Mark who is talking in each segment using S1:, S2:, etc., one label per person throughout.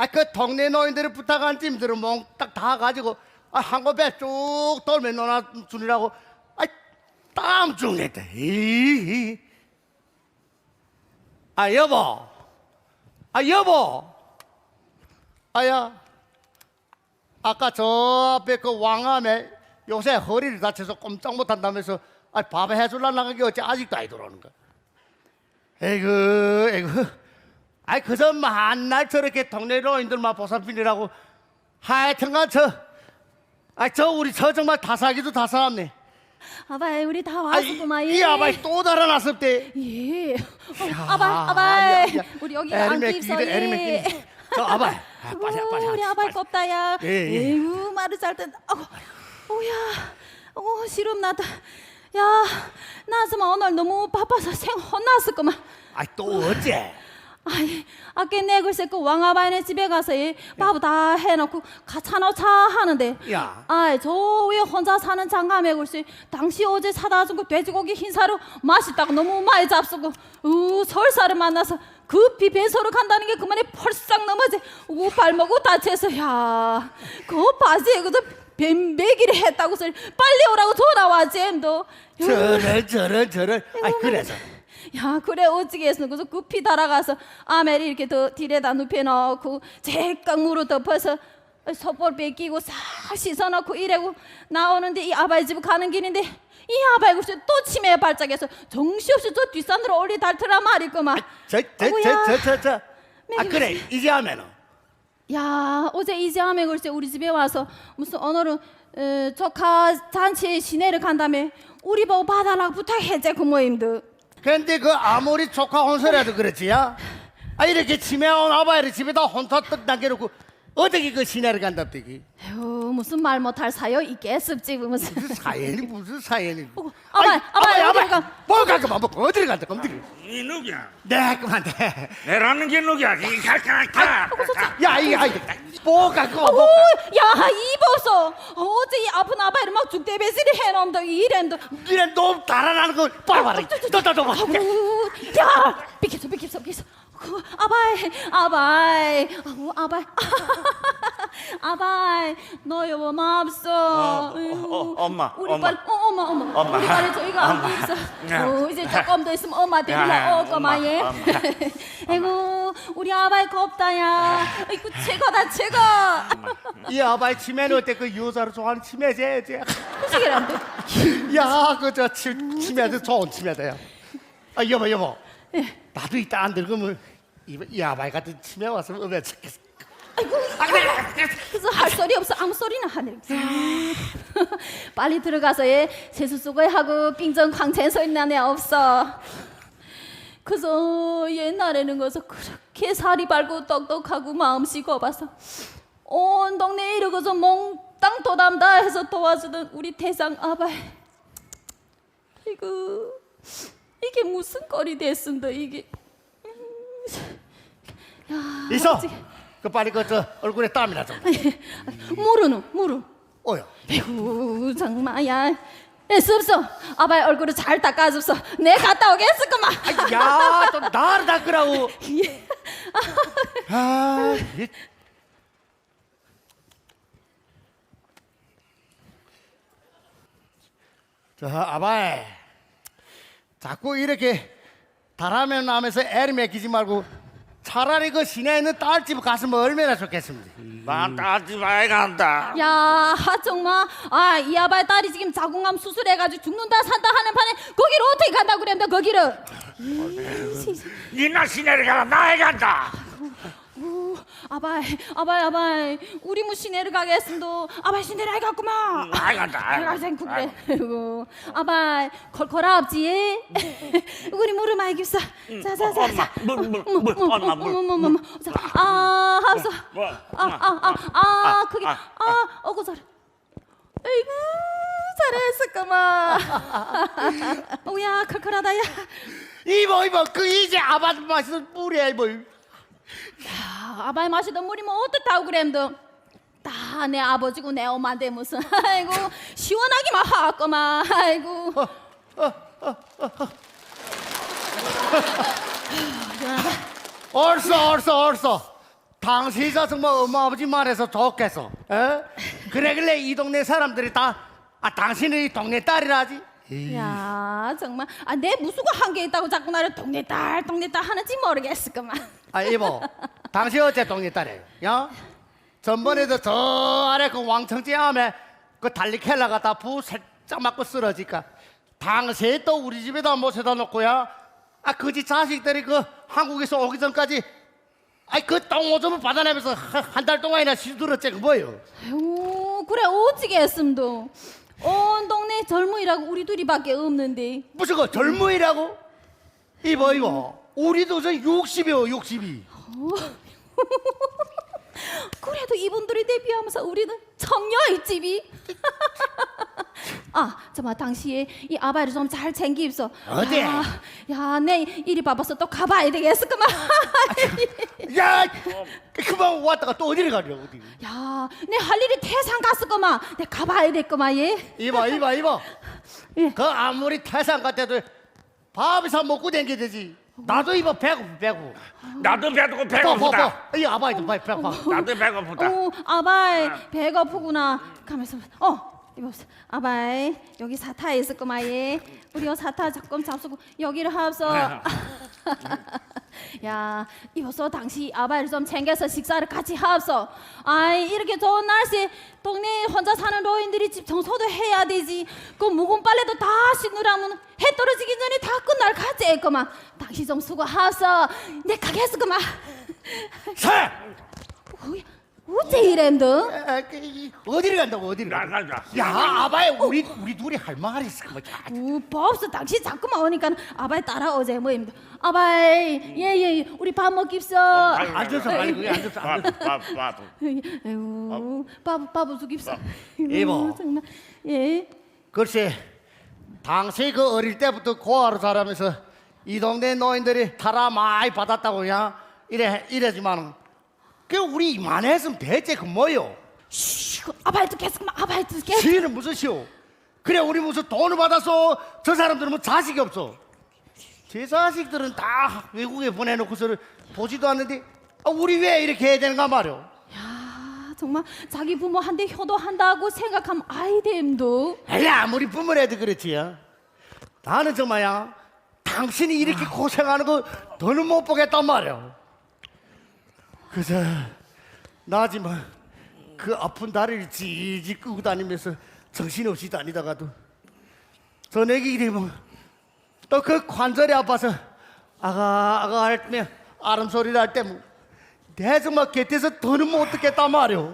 S1: 그 동네 노인들을 부탁한 찜들을 몽딱 다 가지고 한 곳에 쭉 돌며 놀아주느라고 땀 죽냈다. 여보, 여보, 야, 아까 저 앞에 그 왕암에 요새 허리를 다쳐서 꼼짝 못한다면서 밥 해줄라는 게 어째 아직도 안 들어오는 거야. 에이구. 그저 만날 저렇게 동네 노인들만 보살피느라고 하여튼간 저 우리 정말 다 살기도 다 살았네.
S2: 아바이 우리 다 왔었구만.
S1: 이 아바이 또 달아났었대.
S2: 예. 아바이 우리 여기 앉기 있어.
S1: 저 아바이 빨리
S2: 우리 아바이 껍다야.
S1: 예.
S2: 에휴 말을 잘 땐. 오야. 시름 나다. 야 나스마 오늘 너무 바빠서 생 혼났을거만.
S1: 또 어째?
S2: 아까 내 글쎄 그 왕아바이네 집에 가서 밥 다 해놓고 차놓자 하는데
S1: 야.
S2: 저 위에 혼자 사는 장가매 글쎄 당시 어제 사다 준 그 돼지고기 흰사료 맛있다고 너무 많이 잡수고 설사를 만나서 급히 배소로 간다는 게 그만에 펄싹 넘어지 발목을 다쳐서 그 바지에 그저 뱀배기를 했다고 소리 빨리 오라고 돌아와지 엠도
S1: 저런 그래서
S2: 그래 어찌겠어 그래서 급히 달아가서 아메리 이렇게 더 딜에다 눕혀놓고 제깍 물어 덮어서 솥볼 뺏기고 싹 씻어놓고 이래고 나오는데 이 아바이 집 가는 길인데 이 아바이 글쎄 또 치매에 발작해서 정신없이 저 뒷산으로 올리 달더라 말이구만.
S1: 그래 이제 하면은
S2: 어제 이제 하면 글쎄 우리 집에 와서 무슨 오늘은 조카 잔치에 시내를 간다며 우리 보고 봐달라고 부탁했지 그 모임도.
S1: 근데 그 아무리 조카 혼설해도 그렇지야. 이렇게 치매온 아바이를 집에다 혼자 떡 남겨놓고 어떻게 그 시내를 간답디기?
S2: 무슨 말 못할 사요 있겠습지 무슨
S1: 무슨 사연이?
S2: 아바이
S1: 뭐가 그만 어디를 간다 검들이?
S3: 이 누구야?
S1: 네 그만 돼.
S3: 내라는 게 누구야? 이 갈까?
S1: 뭐가 그거
S2: 이보소 어제 이 아픈 아바이를 막 죽대배시리 해놓음도 이랜도
S1: 니네 놈 달아나는 거 봐봐라. 너 봐.
S2: 야 비켜서 아바이 너 여보 맙소.
S3: 엄마,
S2: 우리
S3: 엄마.
S2: 빨리 엄마 우리 빨리 저희가 안 있어. 이제 조금 더 있으면 엄마 데리러 올거만 예. 아이고 우리 아바이 겁다야. 아이고 최고.
S1: 이 아바이 치매는 어때? 그 여자를 좋아하는 치매지.
S2: 무식이란데.
S1: 그저 치매도 좋은 치매다야. 여보. 나도 이따 안 들으면 이 아바이 같은 치매 왔으면 어메 좋겠어.
S2: 그래서 할 소리 없어 아무 소리나 하네. 빨리 들어가서 세수 쓰고 하고 빙정 광채 소리 나네 없어. 그래서 옛날에는 거서 그렇게 살이 밝고 똑똑하고 마음씨 곱아서 온 동네에 이러고서 몽땅 도담다 해서 도와주던 우리 대상 아바이. 이게 무슨 꼴이 됐습니다 이게.
S1: 있어. 그 빨리 저 얼굴에 땀이나 좀.
S2: 물은.
S1: 어여.
S2: 아이고 정말야. 없어. 아바이 얼굴을 잘 닦아줬어. 내 갔다 오겠을까만.
S1: 또 나를 닦으라고. 저 아바이 자꾸 이렇게 다라면 하면서 애를 맡기지 말고 차라리 그 시내에 있는 딸집 갔으면 얼마나 좋겠습니까?
S3: 난 딸집 아이 간다.
S2: 야 정말 이 아바이 딸이 지금 자궁암 수술해가지고 죽는다 산다 하는 판에 거기를 어떻게 간다고 그랬는데 거기를.
S3: 니나 시내를 가라 나에 간다.
S2: 아바이 우리 무 시내를 가겠습니다. 아바이 시내를 가구만.
S3: 아이 간다.
S2: 그래. 아바이 콜콜아 없지? 우리 물을 많이 깁사. 자자자.
S3: 엄마.
S2: 합서.
S3: 뭐?
S2: 그게 어구 소리. 아이고 잘했을까마. 오야 컬컬하다야.
S1: 이보 그 이제 아바이 마시던 물이야 이보.
S2: 아바이 마시던 물이 뭐 어떻다고 그램도 다 내 아버지고 내 엄마인데 무슨. 아이고 시원하기만 하겠구만. 아이고
S1: 얼써 당시자 정말 엄마 아버지 말해서 좋겠어. 어? 그래길래 이 동네 사람들이 다 당신은 이 동네 딸이라지.
S2: 야 정말 내 무수가 한 게 있다고 자꾸 나를 동네 딸 하는지 모르겠을까만.
S1: 이모, 당신 어째 동네 딸이에요? 야? 전번에도 저 아래 그 왕청제 암에 그 달리켈라 갖다 부 살짝 맞고 쓰러지까 당시에 또 우리 집에다 모셔다 놓고야 그지 자식들이 그 한국에서 오기 전까지 그 똥오줌을 받아내면서 한 달 동안이나 시들었지 그 뭐예요?
S2: 아유 그래 오지게 했음도 온 동네 젊은이라고 우리 둘이밖에 없는데.
S1: 무슨 그 젊은이라고? 이거 우리도 저 60이요 62.
S2: 그래도 이분들이 대비하면서 우리는 청녀의 집이. 정말 당시에 이 아바이를 좀 잘 챙기 입소.
S1: 어디?
S2: 야내 이리 바빠서 또 가봐야 되겠어 그만.
S1: 야 그만 왔다가 또 어디를 가려고 어디?
S2: 야내 할 일이 태산 갔을 거만. 내 가봐야 될 거만 얘.
S1: 이봐
S2: 예.
S1: 그 아무리 태산 같아도 밥이사 먹고 댕겨야 되지. 나도 이봐 배고프.
S3: 나도 배고프다.
S1: 이 아바이도 배고파.
S3: 나도 배고프다.
S2: 아바이 배고프구나. 가면서 이거 아바이 여기 사타 있을 거만 얘. 우리 요 사타 조금 잡수고 여기를 합서. 야 이보소 당시 아바이를 좀 챙겨서 식사를 같이 합소. 이렇게 좋은 날씨에 동네 혼자 사는 노인들이 집 청소도 해야 되지. 그 묵은 빨래도 다 씻느라면 해 떨어지기 전에 다 끝날 가지 했구만. 당시 좀 수고합소. 내 가겠어 그만.
S1: 사!
S2: 어째 이랜드?
S1: 어디를 간다고 어디를?
S3: 나가자.
S1: 야 아바이 우리 둘이 할 말이 있을 거야.
S2: 법스 당신 자꾸만 오니까 아바이 따라오제 뭐입니다. 아바이 예예 우리 밥 먹깁소.
S1: 앉아서 아니 앉아서.
S2: 에휴 밥 죽깁소.
S1: 이모.
S2: 정말 예.
S1: 글쎄 당시 그 어릴 때부터 고아로 자라면서 이 동네 노인들이 타라 많이 받았다고야 이래지만은 그 우리 이만했으면 대체 그 뭐요?
S2: 아바이 듣겠어 그만. 아바이 듣겠어.
S1: 시는 무슨 시오? 그래 우리 무슨 돈을 받아서 저 사람들은 뭐 자식이 없어. 제 자식들은 다 외국에 보내놓고서 보지도 않는데 우리 왜 이렇게 해야 되는가 말이오?
S2: 야 정말 자기 부모한테 효도한다고 생각하면 아이됨도.
S1: 야 아무리 부모라도 그렇지요. 나는 정말야 당신이 이렇게 고생하는 거 더는 못 보겠단 말이오. 그저 나지만 그 아픈 다리를 지지 끄고 다니면서 정신없이 다니다가도 저녁에 이러면 또 그 관절이 아파서 아가 할때 아름 소리를 할 때 내 정말 곁에서 더는 못 듣겠단 말이오.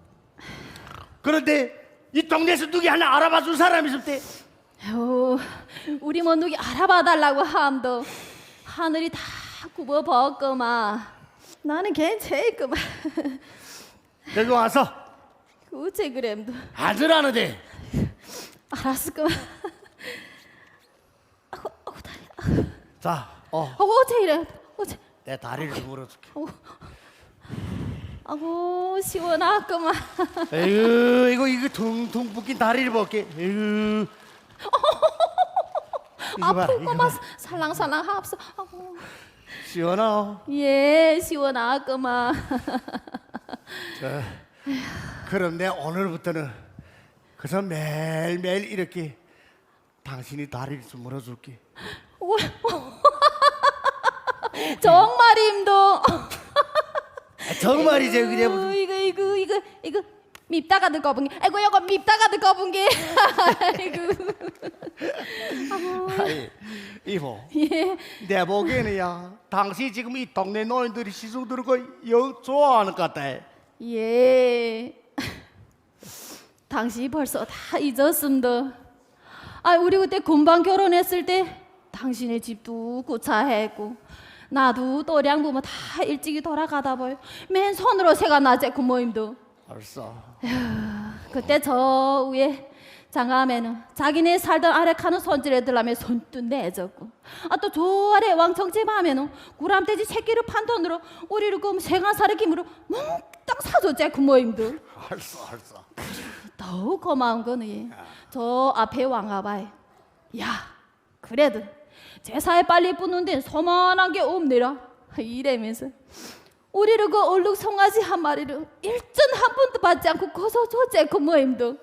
S1: 그런데 이 동네에서 누구 하나 알아봐 준 사람이 있을 때
S2: 우리 뭐 누구 알아봐 달라고 함도 하늘이 다 굽어 벗고만. 나는 괜찮구만.
S1: 여기 와서
S2: 어째 그램도.
S1: 앉으라는데.
S2: 알았을구만. 다리.
S1: 자,
S2: 어째 이래. 어째.
S1: 내 다리를 물어줄게.
S2: 시원하구만.
S1: 에휴, 이거 퉁퉁 붓긴 다리를 볼게. 에휴.
S2: 아프구만. 살랑살랑 합서.
S1: 시원하.
S2: 예, 시원하구만.
S1: 그럼 내 오늘부터는 그래서 매일매일 이렇게 당신이 다리를 좀 물어줄게.
S2: 정말임도.
S1: 정말이지 그래 무슨.
S2: 이거 밉다가 듣고 본 게. 아이고 이거 밉다가 듣고 본 게.
S1: 아이, 이모.
S2: 예.
S1: 내 보기에는야 당신 지금 이 동네 노인들이 시중 들은 거영 좋아하는 것 같다.
S2: 예. 당신이 벌써 다 잊었습니다. 우리 그때 금방 결혼했을 때 당신의 집도 구차했고 나도 또량 부모 다 일찍이 돌아가다 보여. 맨손으로 새가 나제 부모님도.
S1: 알았어.
S2: 그때 저 위에 장암에는 자기네 살던 아래 가는 손질애들라며 손도 내줬고 또 저 아래 왕청집 하면은 구람돼지 새끼를 판 돈으로 우리를 그 생활사를 김으로 몽땅 사줬지 부모님도.
S1: 알았어.
S2: 더욱 고마운 거는 저 앞에 왕아바에 야 그래도 제사에 빨리 뿌는 데는 소만한 게 없네라 이래면서 우리를 그 얼룩 송아지 한 마리를 일전 한 번도 받지 않고 거서 줬지 그 모임도.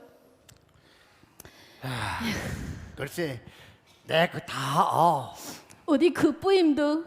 S1: 글쎄 내 그 다
S2: 어디 그 뿌임도.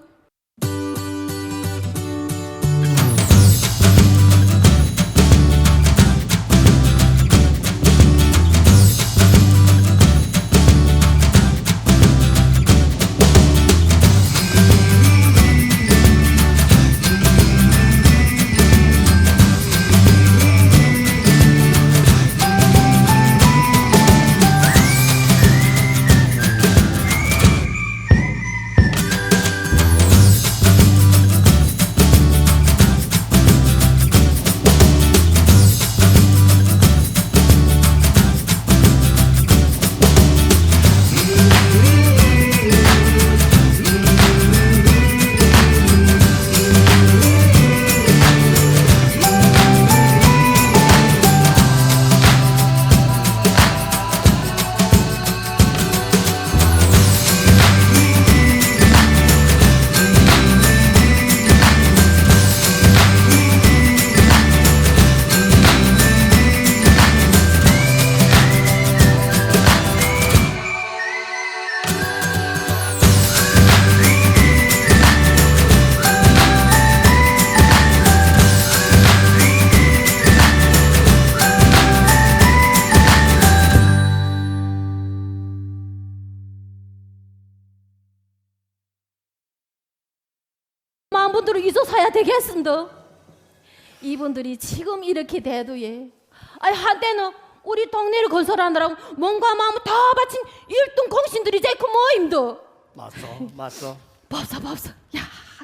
S2: 많은 분들을 잊어서야 되겠습니다. 이분들이 지금 이렇게 돼도예. 아니 한때는 우리 동네를 건설하느라고 몸과 마음을 다 바친 일등 공신들이지 그 모임도.
S1: 맞어.
S2: 법사. 야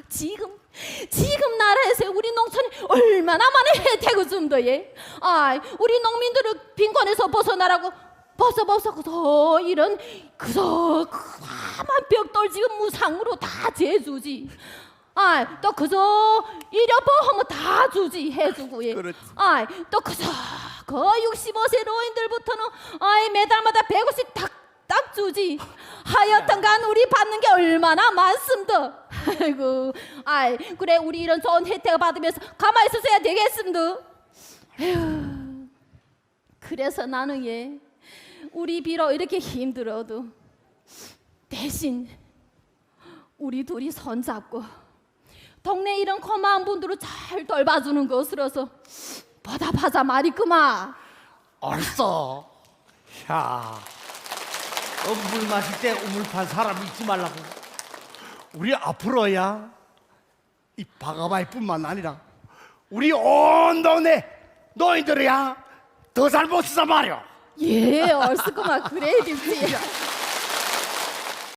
S2: 지금 나라에서 우리 농촌이 얼마나 많은 혜택을 준다예. 아 우리 농민들을 빈곤에서 벗어나라고 법사 그서 이런 그서 까만 벽돌 지금 무상으로 다 재주지. 또 그저 일여보험은 다 주지 해주고 예.
S1: 그렇지.
S2: 또 그저 그 65세 노인들부터는 매달마다 100원씩 딱 주지. 하여튼간 우리 받는 게 얼마나 많습니다. 아이고, 그래 우리 이런 좋은 혜택을 받으면서 가만히 있어야 되겠습니다. 에휴, 그래서 나는 우리 비록 이렇게 힘들어도 대신 우리 둘이 손잡고 동네 이런 고마운 분들을 잘 돌봐주는 것으로서 보답하자 말이구만.
S1: 알았어. 야, 물 마실 때 우물 판 사람 잊지 말라고. 우리 앞으로야 이 바가바이뿐만 아니라 우리 온 동네 노인들이야 더 잘 모시자 말이야.
S2: 예, 얼씨구만 그래 립지.